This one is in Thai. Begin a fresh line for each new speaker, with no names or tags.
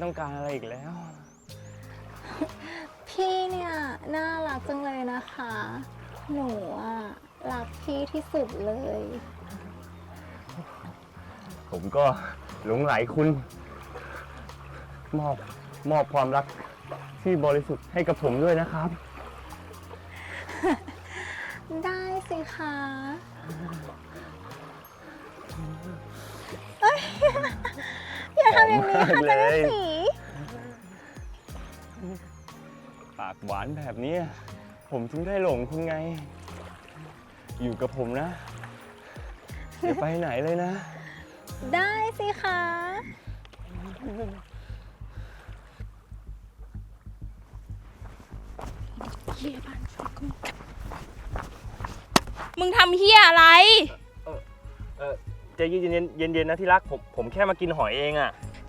ต้องการอะไรอีกแล้ว
พี่เนี่ยน่ารักจังเลยนะคะ หนูอ่ะรักพี่ที่สุดเลย
ผมก็หลงไหลคุณ มอบความรักที่บริสุทธิ์ให้กับผมด้วยนะครับ
ได้สิคะเอ้ยอย่าทำอย่างนี้ค่ะ
หอมมาก
จัน
เลย
สี
ปากหวานแบบนี้ผมถึงได้หลงคุณไง อยู่กับผมนะอย่าไปไหนเลยนะ
ได้สิคะ
มึงทำเฮียอะไร
ใจเย็นๆนะที่รักผมแค่มากินหอยเองอะ